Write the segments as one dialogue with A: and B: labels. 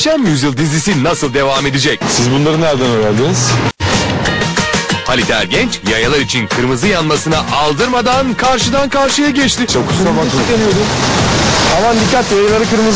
A: Muhteşem Yüzyıl dizisi nasıl devam edecek?
B: Siz bunları nereden öğrendiniz?
A: Halit Ergenç yayalar için kırmızı yanmasına aldırmadan karşıdan karşıya geçti.
B: Çok kusura bakmayın. Aman dikkat, yayaları kırmızı.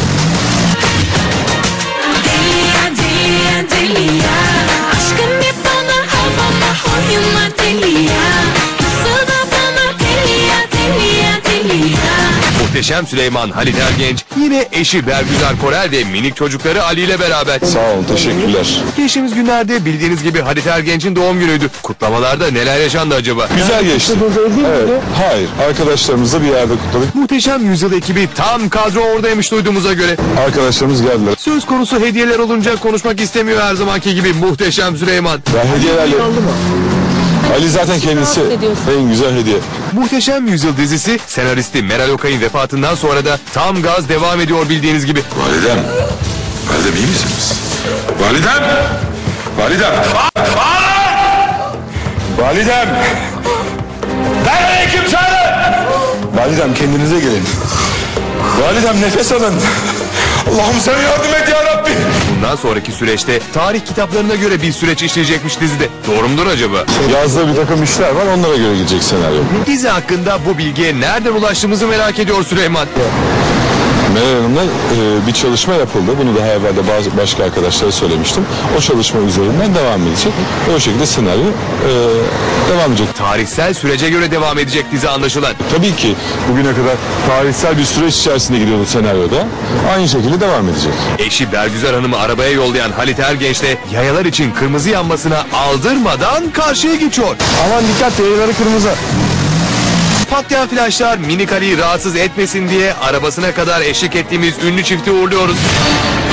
C: Delia, delia, delia. Aşkın hep bana havama oyunlar delia. Nasıl da bana delia, delia, delia.
A: Muhteşem Süleyman Halit Ergenç yine eşi Bergüzar Korel ve minik çocukları Ali ile beraber.
B: Sağ olun, teşekkürler.
A: Geçtiğimiz günlerde bildiğiniz gibi Halit Ergenç'in doğum günüydü. Kutlamalarda neler yaşandı acaba?
B: Güzel geçti. Evet. Hayır, arkadaşlarımızla bir yerde kutladık.
A: Muhteşem Yüzyıl ekibi tam kadro oradaymış duyduğumuza göre.
B: Arkadaşlarımız geldiler.
A: Söz konusu hediyeler olunca konuşmak istemiyor her zamanki gibi Muhteşem Süleyman.
B: Ben hediyelerle... Ali zaten kendisi en güzel hediye.
A: Muhteşem Yüzyıl dizisi senaristi Meral Okay'ın vefatından sonra da tam gaz devam ediyor bildiğiniz gibi.
D: Validem. Validem iyi misiniz? Validem. Validem.
B: Validem!
D: Nerede kim çağırın?
B: Validem, kendinize gelin. Validem, nefes alın.
D: Allah'ım sen yardım et ya Rabbi.
A: Bundan sonraki süreçte tarih kitaplarına göre bir süreç işleyecekmiş dizide. Doğru mudur acaba?
B: Yazda bir takım işler var, onlara göre gidecek senaryo.
A: Dizi hakkında bu bilgiye nereden ulaştığımızı merak ediyor Süleyman.
B: Meral Hanım'la bir çalışma yapıldı. Bunu daha evvel de bazı başka arkadaşlara söylemiştim. O çalışma üzerinden devam edecek. Ve o şekilde senaryo devam edecek.
A: Tarihsel sürece göre devam edecek dizi anlaşılan.
B: Tabii ki bugüne kadar tarihsel bir süreç içerisinde gidiyordu senaryoda. Aynı şekilde devam edecek.
A: Eşi Bergüzar Hanım'ı arabaya yollayan Halit Ergenç de yayalar için kırmızı yanmasına aldırmadan karşıya geçiyor.
B: Aman dikkat, yayaları kırmızı.
A: Patlayan flaşlar minik Ali'yi rahatsız etmesin diye arabasına kadar eşlik ettiğimiz ünlü çifti uğurluyoruz.